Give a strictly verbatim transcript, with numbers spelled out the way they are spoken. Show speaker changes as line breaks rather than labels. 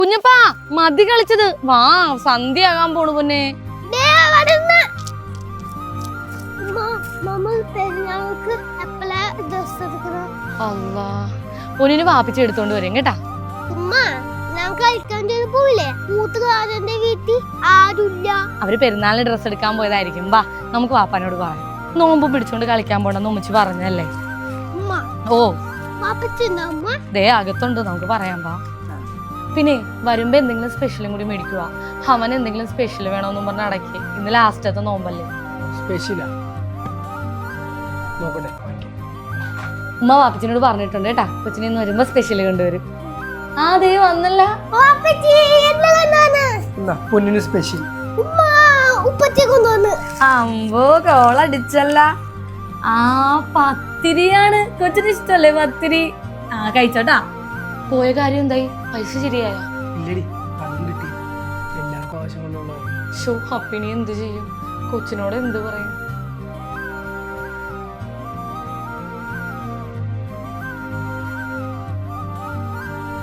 കുഞ്ഞപ്പാ മതി കളിച്ചത്, വാ സന്ധ്യയാകാൻ പോണു പൊന്നെ. അല്ലാ പൊന്നിന് വാപ്പിച്ച് എടുത്തോണ്ട് വരും കേട്ടാ. അവര് പെരുന്നാളിന് ഡ്രസ് എടുക്കാൻ പോയതായിരിക്കും. വാ നമുക്ക് വാപ്പാനോട് പറയാം. നോമ്പ് പിടിച്ചോണ്ട് കളിക്കാൻ പോണെന്ന് ഉമ്മച്ചി പറഞ്ഞല്ലേ. ഓ ദേ അകത്തുണ്ട്, നമുക്ക് പറയാൻ പാ. പിന്നെ വരുമ്പോ എന്തെങ്കിലും സ്പെഷ്യലും കൂടി മേടിക്കുക. അവൻ എന്തെങ്കിലും സ്പെഷ്യൽ വേണമെന്നും പറഞ്ഞ അടക്കി. ഇന്ന് ലാസ്റ്റത്തെ നോമ്പല്ലേ. ഉമ്മ വാപ്പച്ചിനോട് പറഞ്ഞിട്ടുണ്ട് കേട്ടാ, കൊച്ചിനെ ഇന്ന് വരുമ്പോ സ്പെഷ്യൽ കൊണ്ടുവരും. ആ ദേ വന്നല്ല. അമ്പോ കോളടിച്ചല്ല. ആ പത്തിരിയാണ്, കൊച്ചിന് ഇഷ്ടല്ലേ പത്തിരി? ആ കഴിച്ചോട്ടാ. പോയ കാര്യം എന്തായി? പൈസ ശരിയായ? ഷോ അപ്പിനി എന്ത് ചെയ്യും? കൊച്ചിനോട് എന്ത് പറയും?